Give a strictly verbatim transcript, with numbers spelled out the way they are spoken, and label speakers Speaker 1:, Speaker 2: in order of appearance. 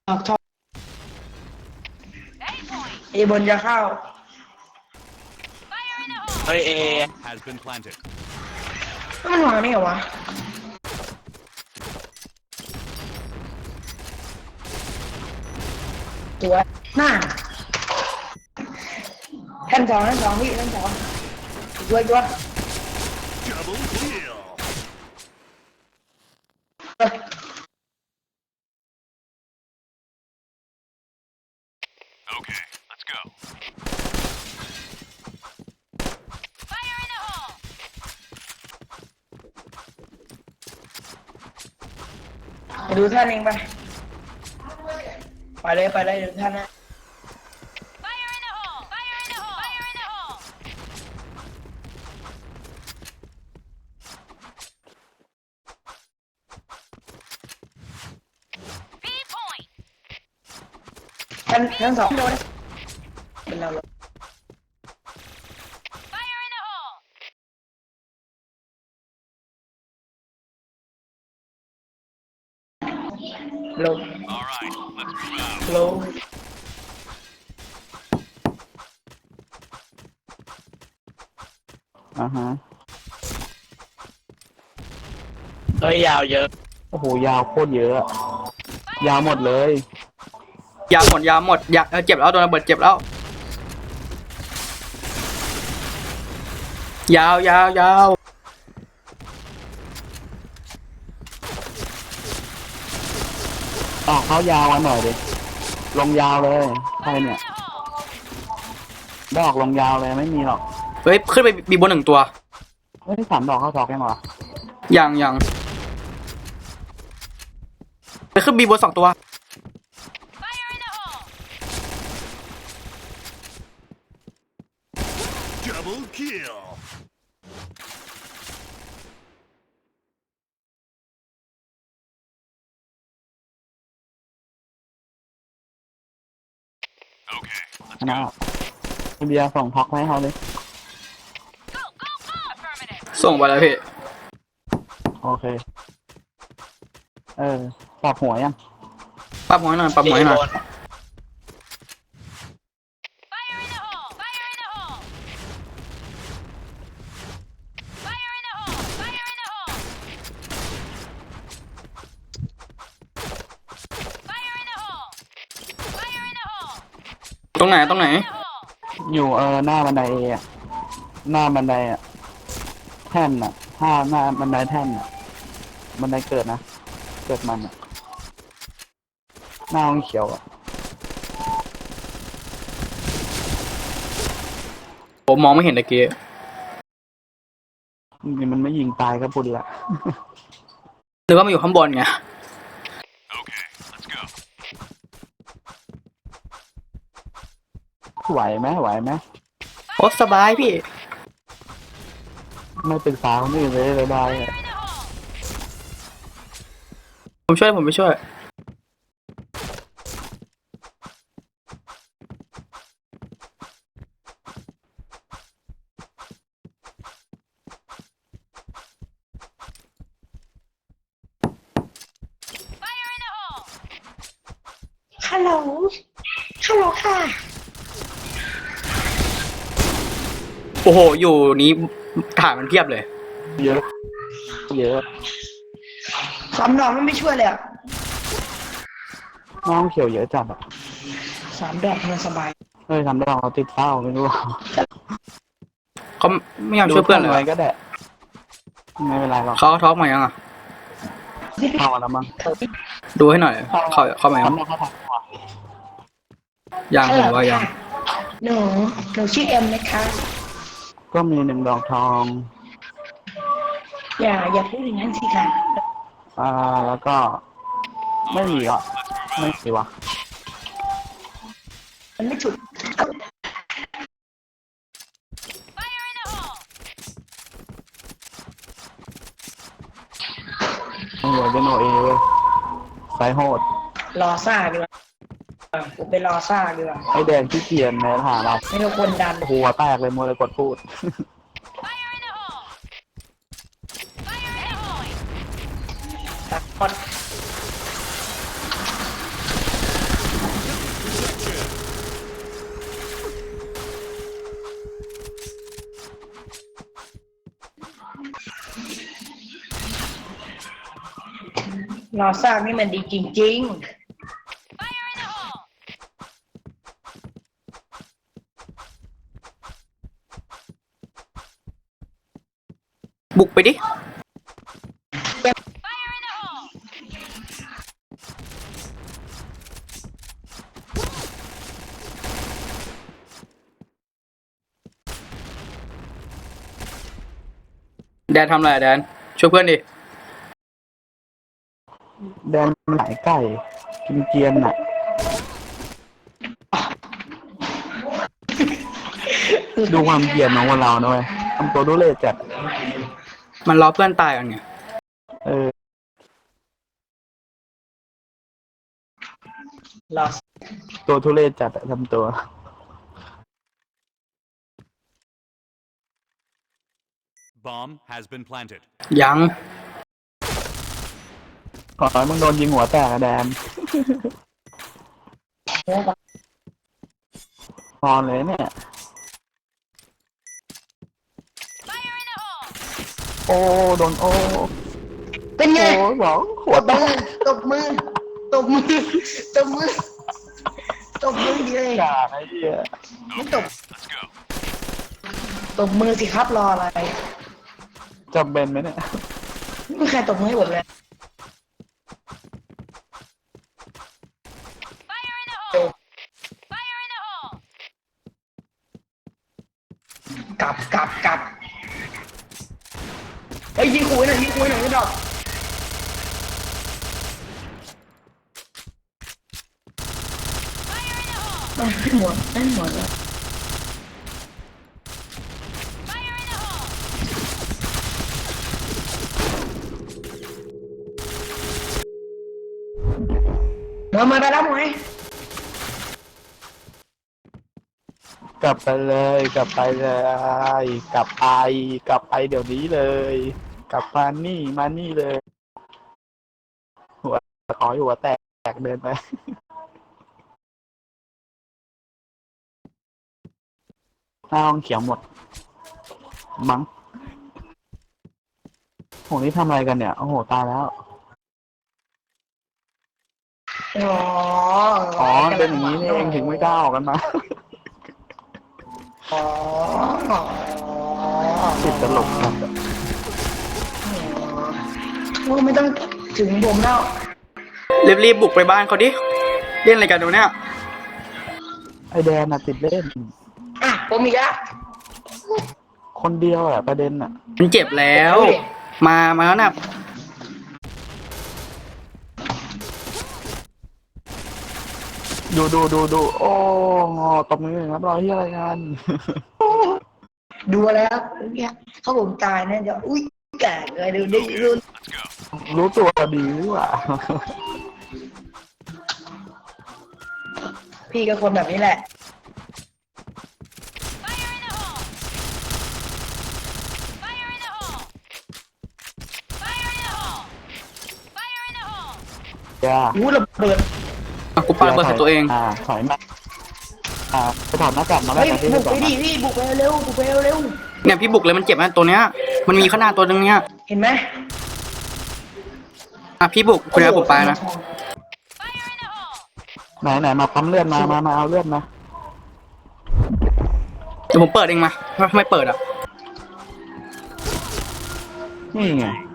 Speaker 1: ออกทองเอบนจะเข้า
Speaker 2: เฮ้ยเอ
Speaker 1: มันวางนี่เหรอวะตัวหน้าแท่นสองแท่นสองพี่แท่นสองด้วยด้วยเอ้ย
Speaker 3: Okay, let's go.
Speaker 4: Fire in the hole!
Speaker 1: ไปดูท่านเองไปไปเลยไปเลยดูท่านนะ
Speaker 4: Fire in the hole! Fire in the hole! Fire in the hole! B point!
Speaker 1: ท่านท่านสองโดนเป็นเราเลย
Speaker 4: Fire in the hole!
Speaker 1: ลง
Speaker 3: All right, let's move out.
Speaker 1: ลง
Speaker 5: อ่าฮะ
Speaker 2: เฮ้ยยาวเยอะ
Speaker 5: โอ้โห ยาวโคตรเยอะอะยาวหมดเลย
Speaker 6: ยาหมดยาหมดยาเออเจ็บแล้วโดนระเบิดเจ็บแล้ว ยาวยาวยาว
Speaker 5: ออกเขายาวมาหน่อยดิ ลงยาวเลย ใครเนี่ย ดอกลงยาวเลยไม่มีหรอก
Speaker 6: เฮ้ยขึ้นไปบีบนหนึ่งตัว
Speaker 5: ไม่ได้สามดอกเข้าทอกยังเหรอ
Speaker 6: ยังยังไปขึ้นบีบนสองตัว
Speaker 4: Fire in the hole!
Speaker 3: Double kill. Okay,
Speaker 5: ชนะเบียร์ส่งท็อกให้เขาเลย
Speaker 4: Go, go, go! Affirmative!
Speaker 6: ส่งไปแล้วพี่
Speaker 5: โอเค เออปอกหัวยัง
Speaker 6: ปรับหัวให้หน่อยปรับหัวให้หน่อย
Speaker 4: Fire in the hole! Fire in the hole! Fire in the hole! Fire in the hole! Fire in the hole! Fire in the hole!
Speaker 6: ตรงไหนตรงไหน
Speaker 4: In the hole!
Speaker 5: อยู่เออหน้าบันไดเออะหน้าบันไดอะแท่นอะห้าหน้าบันไดแท่นอะบันไดเกิดนะ เกิดมันอะหน้าห้องเขียวอะ
Speaker 6: ผมมองไม่เห็นตะกี้
Speaker 5: นี่มันไม่ยิงตายก็บุญละ
Speaker 6: หรือว่ามันอยู่ข้างบนไง
Speaker 3: okay, let's go.
Speaker 5: ไหวไหมไหวไหม
Speaker 6: โอ้สบายพี่
Speaker 5: ไม่เป็นสาวนี่เลยเลยได้
Speaker 4: Fire in the hole!
Speaker 6: ผมช่วยผมไปช่วย
Speaker 4: Fire in the hole!
Speaker 1: ฮัลโหลฮัลโหลค่ะ
Speaker 6: โอ้โห อยู่นี้ฐานมันเพียบเลย
Speaker 5: เยอะ เยอะ
Speaker 1: สามดอกมันไม่ช่วยเลยอะ
Speaker 5: น้องเขียวเยอะจัดอ่ะ
Speaker 1: สามดอกมันสบาย
Speaker 5: เฮ้ยทำได้เราติดเศร้าไม่รู้
Speaker 6: เขาไม่ยอมช่วยเพื่อนเลย
Speaker 5: อะไร
Speaker 6: วะ
Speaker 5: ก็ได้ไม่เป็นไรหรอก
Speaker 6: เขาท็อกมายังอ่ะ
Speaker 5: เข้าแล้วมั้ง
Speaker 6: ดูให้หน่อย เขาเข้ามายัง
Speaker 5: ทำได้เขาทำก่อน
Speaker 6: ยังผมว่ายัง
Speaker 1: หนูหนูชื่อเอ็มนะคะ
Speaker 5: ก็มีหนึ่งดอกทอง
Speaker 1: อย่าอย่าพูดอย่างนั้นสิค่ะ
Speaker 5: อ่าแล้วก็ไม่มีอ่ะไม่มีวะ
Speaker 1: มันไม่ฉุด
Speaker 4: Fire in the hole!
Speaker 5: ไม่เหลือเป็นโนเอเว้ยไซโหด
Speaker 1: รอซ่าดีกว่ากูไปรอซ่าดีกว่า
Speaker 5: ไอแดงที่เกียนในฐานะ
Speaker 1: ไม่ต้องคนดัน
Speaker 5: หัวแตกเลยมัวเลยกดพูด
Speaker 4: Fire in the hole! Fire in the hole!
Speaker 1: ตัดหมดรอสร้างนี่มันดีจริง
Speaker 4: Fire in the hole!
Speaker 6: บุกไปดิ
Speaker 4: Fire in the hole!
Speaker 6: แดนทำอะไรอะแดน ช่วยเพื่อนดิ
Speaker 5: แดนมันหลายไก่กินเกรียนน่ะ ดูความเกรียนของคนเราหน่อยทำตัวดูเล่จัด
Speaker 6: มันรอเพื่อนตายกันไง
Speaker 5: เออ
Speaker 1: ๆรอ
Speaker 5: ตัวทุเรศจัดอะทำตัว
Speaker 3: Bomb has been planted.
Speaker 6: ยัง
Speaker 5: ขอให้มึงโดนยิงหัวแตกอะแดนพอเลยเนี่ย
Speaker 4: Fire in the hole!
Speaker 5: โอ้โดนโอ้
Speaker 1: เป็นไง
Speaker 5: โอ้บอกหัว
Speaker 1: ต
Speaker 5: แต
Speaker 1: บมือก ตบมือตบมือตบมือตบมือดีเลย
Speaker 5: กาไอ้เหี้ย
Speaker 1: ไม่ตบ
Speaker 3: Let's go.
Speaker 1: ตบมือสิครับรออะไร
Speaker 5: จำเป็นไหมเนี่ย
Speaker 1: ไม่มีใครตบมือให้ผมเลย
Speaker 4: Fire in the hole! Fire in the hole!
Speaker 1: กลับกลับกลับเฮ้ยยิงคุยหน่อยยิงคุยหน่อยไม่ดอก
Speaker 4: Fire in the hole!
Speaker 1: ได้หมดได้หมดแล้ว
Speaker 4: Fire in the hole!
Speaker 1: มามาไปแล้วหมวย
Speaker 5: กลับไปเลยกลับไปเลยกลับไปกลับไปเดี๋ยวนี้เลย กลับมานี่มานี่เลย หัวขอหัวแตกเดินไปหน้าห้องเขียวหมด มั้งโหนี่ทำอะไรกันเนี่ย โอ้โห ตายแล้ว
Speaker 1: อ๋อ
Speaker 5: อ๋อ เป็นอย่างนี้นี่เองถึงไม่กล้าออกกันมา
Speaker 1: อ๋อ
Speaker 5: ติดตลกกัน
Speaker 1: โอ้ไม่ต้องถึงผมแล้ว
Speaker 6: รีบๆบุกไปบ้านเขาดิ เล่นอะไรกันดูเนี่ย
Speaker 5: ไอแดนน่ะติดเล่น
Speaker 1: อ่ะผมอีกแล้ว
Speaker 5: คนเดียวอะประเด็นอะ
Speaker 6: มันเจ็บแล้ว มา มาแล้วนะ
Speaker 5: ดูดูดูดูโอ้ตบมือครับรอที่อะไรกัน
Speaker 1: ดูแล้วเนี่ยเขาผมตายนะเดี๋ยวอุ้ยแก่เลยดูดิดู
Speaker 3: Let's go.
Speaker 5: รู้ตัวดีว่ะ
Speaker 1: พี่ก็คนแบบนี้แหละ
Speaker 4: Fire in the hole! Fire in the hole! Fire in the hole! Fire in the hole!
Speaker 5: อย่า
Speaker 1: อู้ระเบิด
Speaker 6: อ่ะกูปาระเบิดใส่ตัวเอง
Speaker 5: อ่าถอยมาอ่าไปถอดหน้ากากมาแล้ว
Speaker 1: เฮ้ย
Speaker 5: กันที่
Speaker 1: บุ
Speaker 5: ที่
Speaker 1: ก
Speaker 5: ก่
Speaker 1: ไป
Speaker 5: อน
Speaker 1: ดิ
Speaker 5: นะ
Speaker 1: พี่บุกไปเร็วบุกไปเร็ว
Speaker 6: เนี่ยพี่บุกเลยมันเจ็บนะตัวเนี้ย มันมีขนาดตัวนึงเนี่ย
Speaker 1: เห็นไหม
Speaker 6: อ่ะพี่บุกคุณเอาผมไปนะ
Speaker 4: Fire in the hole!
Speaker 5: ไหนไหนมาปั๊มเลือดมามามาเอาเลือดมา
Speaker 6: เดี๋ยวผมเปิดเองมาทำไมเปิดอ่ะ
Speaker 5: นี่ไง